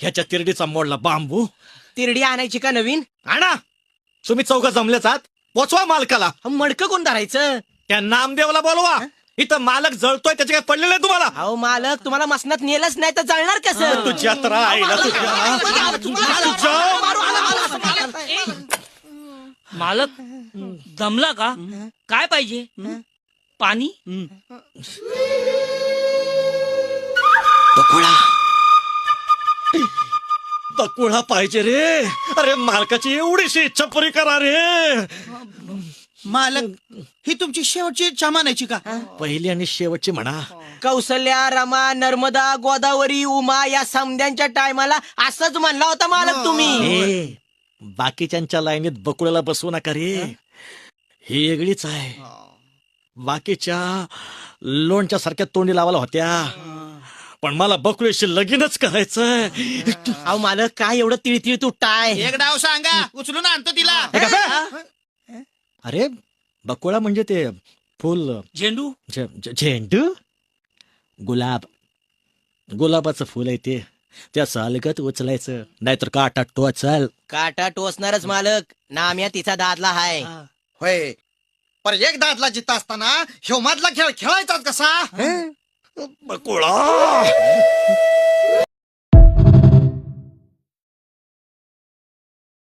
ह्याच्या तिरडीचा मोडला बांबू. तिरडी आणायची का नवीन? आणा. तुम्ही चौघ जमलेच आहात, पोचवा मालकाला. मडकं कोण धरायचं? त्या नामदेवला बोलवा. इथं मालक जळतोय, त्याचे काय पडलेलं आहे तुम्हाला? अहो मालक, तुम्हाला मसनात नेलंच नाही तर जळणार कसं? तुझ्या तर आईला मालक दमला का? काय पाहिजे? पाणी? तकुळा पाहिजे रे. अरे मालकाची एवढीशी इच्छा पुरी करा रे. मालक, ही तुमची शेवटची इच्छा मानायची का? पहिली आणि शेवटची म्हणा. कौसल्या, रमा, नर्मदा, गोदावरी, उमा या समध्यांच्या टायमाला असंच म्हणला होता मालक तुम्ही. बाकीच्यांच्या लाईनीत बकुळ्याला बसवू नका रे. ही वेगळीच आहे. बाकीच्या लोणच्या सारख्या तोंडी लावायला होत्या, पण मला बकुळीशी लगीनच करायचंय. अहो मालक, काय एवढं तिळतिळ तुटताय? एक डाव सांगा, उचलून आणतो तिला. अरे बकुळा म्हणजे ते फुल, झेंडू? झेंडू, गुलाबाचं फुल आहे ते. त्या सालगत उचलायचं, नाहीतर काटा टोचल. काटा टोचणारच मालक. नाम्या तिचा दादला हाय. होय, पर एक दादला जिता असताना ह्यो मधला खेळ खेळायचा कसा? बकुळा